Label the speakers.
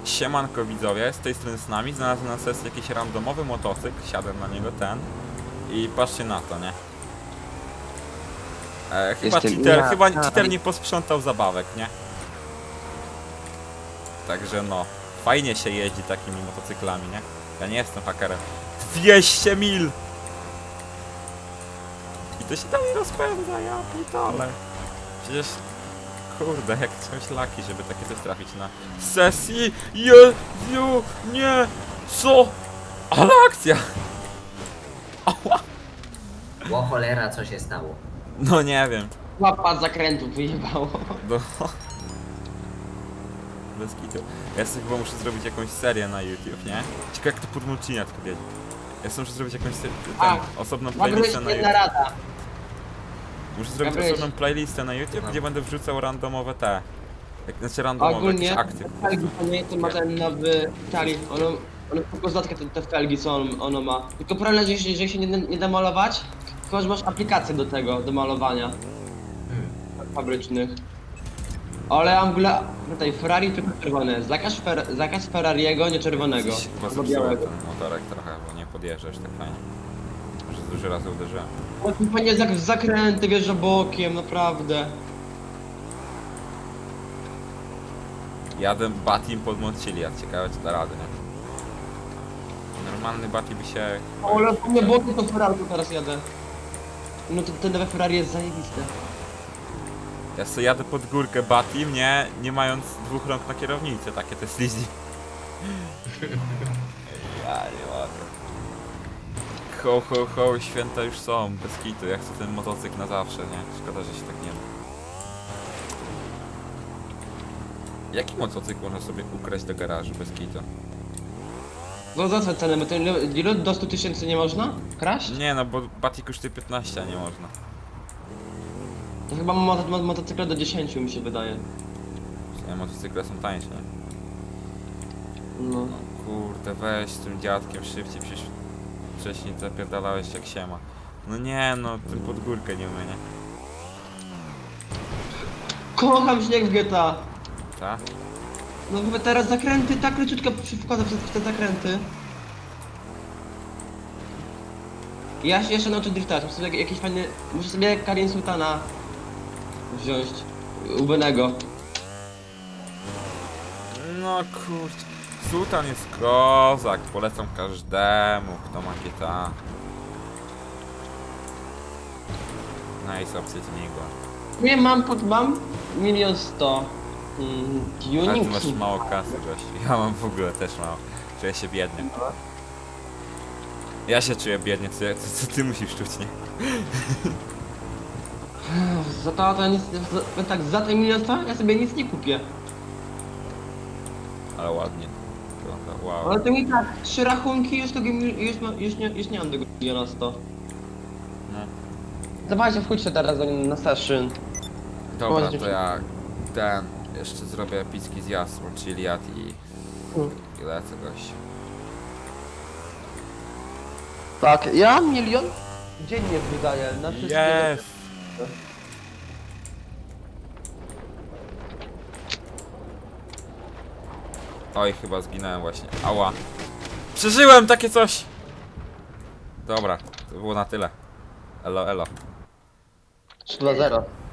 Speaker 1: Siemanko widzowie, z tej strony z nami, znalazłem na sesji jakiś randomowy motocykl, siadłem na niego i patrzcie na to, nie? Chyba cheater nie posprzątał zabawek, nie? Także no, fajnie się jeździ takimi motocyklami, nie? Ja nie jestem hakerem. 200 mil! I to się dalej rozpędza, ja pitole. Przecież, kurde, jak są laki, żeby takie coś trafić na sesji. Jezu, nie, co? Ale akcja! Ała.
Speaker 2: O cholera, co się stało?
Speaker 1: No nie wiem.
Speaker 3: Łapa z zakrętu wyjebało.
Speaker 1: No. Bez kitu. Ja sobie chyba muszę zrobić jakąś serię na YouTube, nie? Ciekawe jak to pod mulcinia tylko wiedzie. Ja sobie muszę zrobić jakąś osobną playlistę na
Speaker 3: jedna
Speaker 1: YouTube.
Speaker 3: rada.
Speaker 1: Muszę zrobić
Speaker 3: Gabryś.
Speaker 1: osobną playlistę na YouTube, gdzie będę wrzucał randomowe znaczy randomowe
Speaker 3: Ogólnie
Speaker 1: jakieś akty. po
Speaker 3: felgi
Speaker 1: prostu.
Speaker 3: to nie to ma ten nowy Charlie. Ono tylko zatkę te felgi co ono ma. Tylko problem, że się nie da malować, tylko że masz aplikację do tego, do malowania fabrycznych. Ale ja mam w ogóle tutaj Ferrari tylko czerwone. Zakaz Ferrariego, nie czerwonego.
Speaker 1: Coś chyba
Speaker 3: Albo
Speaker 1: zepsuło
Speaker 3: białego.
Speaker 1: ten motorek trochę, bo nie podjeżdżasz tak fajnie. Może dużo razy uderzyłem.
Speaker 3: Panie zakręty wjeżdża bokiem, naprawdę.
Speaker 1: Jadę Batim pod Montchiliad, ciekawe czy da radę, nie? Normalny Bati by się...
Speaker 3: Ale po mnie bokiem to Ferrari teraz jadę. No to ten nowe Ferrari jest zajebiste.
Speaker 1: Ja sobie jadę pod górkę Batim, nie mając dwóch rąk na kierownicy, takie te slizzy. Ja nie mogę. Ho, ho, ho, święta już są, bez kitu, ja chcę ten motocykl na zawsze, nie? Szkoda, że się tak nie da. Jaki motocykl można sobie ukraść do garażu bez kitu?
Speaker 3: No za co cenę? Bo ten ilu do 100 000 nie można kraść?
Speaker 1: Nie no, bo Bati kosztuje 15, a nie można.
Speaker 3: To chyba motocykle do 10 mi się wydaje.
Speaker 1: Motocykle są tańsze, nie?
Speaker 3: No.
Speaker 1: Kurde, weź z tym dziadkiem szybciej, przecież wcześniej zapierdalałeś jak siema. No nie no, tym pod górkę nie umie, nie?
Speaker 3: Kocham śnieg w GTA.
Speaker 1: Ta?
Speaker 3: No bo teraz zakręty tak leciutko wkładam w te zakręty. Ja się jeszcze nauczę driftać, muszę sobie jakieś fajne... Muszę sobie Karin Sultana wziąć. Ubenego.
Speaker 1: No kurczę, Sultan jest kozak, polecam każdemu, kto ma GTA. Nice opcja śmigła.
Speaker 3: Nie mam 1 100 000.
Speaker 1: Ale ty
Speaker 3: Tuning.
Speaker 1: masz mało kasy, gościu. Ja mam w ogóle też mało. Czuję się biednie. Ja się czuję biednie, co ty musisz czuć, nie?
Speaker 3: Za to nic... Tak, za te 1 100 000 ja sobie nic nie kupię.
Speaker 1: Ale ładnie. Wygląda, wow.
Speaker 3: Ale to mi tak, 3 rachunki już nie mam tego 1 100 000.
Speaker 1: No.
Speaker 3: Zobaczcie, wchodźcie teraz na session.
Speaker 1: Dobra, to ja jeszcze zrobię epicki zjazd, Montchiliad i lecę gość.
Speaker 3: Tak, ja 1 000 000 dziennie wydaję na wszystkie...
Speaker 1: Jest! Oj, chyba zginąłem właśnie. Ała. Przeżyłem takie coś! Dobra, to było na tyle. Elo, elo.
Speaker 3: 3-2-0.